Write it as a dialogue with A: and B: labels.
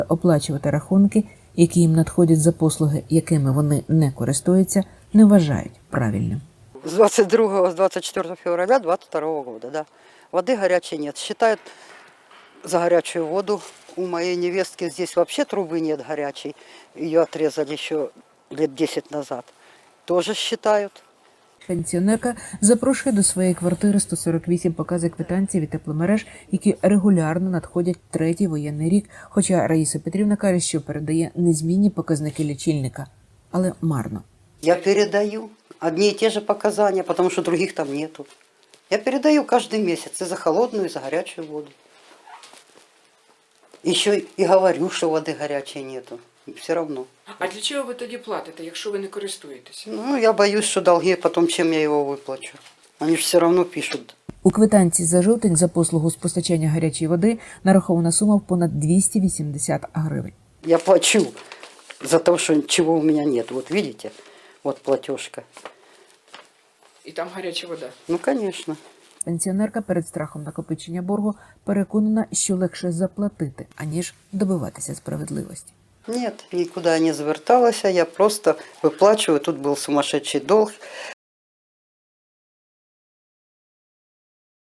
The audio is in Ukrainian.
A: Оплачувати рахунки, які їм надходять за послуги, якими вони не користуються, не вважають правильним.
B: С 24 февраля 22 года, да. Воды горячей нет. Считают за горячую воду. У моей невестки здесь вообще трубы нет горячей. Ее отрезали еще лет 10 назад. Тоже считают.
A: Пенсіонерка запрошує до своєї квартири 148 показів квитанцій від тепломереж, які регулярно надходять третій воєнний рік, хоча Раїса Петрівна каже, що передає незмінні показники лічильника, але марно.
B: Я передаю одни и те же показания, потому что других там нету. Я передаю каждый месяц и за холодную, и за горячую воду. Еще и говорю, что воды горячей нету. Все равно.
C: А для чого ви тоді платите, якщо ви не користуєтеся?
B: Ну, я боюсь, что долги потом, чем я его выплачу. Они же все равно пишут.
A: У квитанції за жовтень за послугу з постачання гарячої води нарахована сума в понад 280 гривень.
B: Я плачу за то, что чего у меня нет. Вот видите, вот платежка.
C: І там гаряча вода.
B: Ну, конечно.
A: Пенсіонерка перед страхом накопичення боргу переконана, що легше заплатити, аніж добиватися справедливості.
B: Нет, никуда не зверталась, я просто выплачиваю. Тут был сумасшедший долг.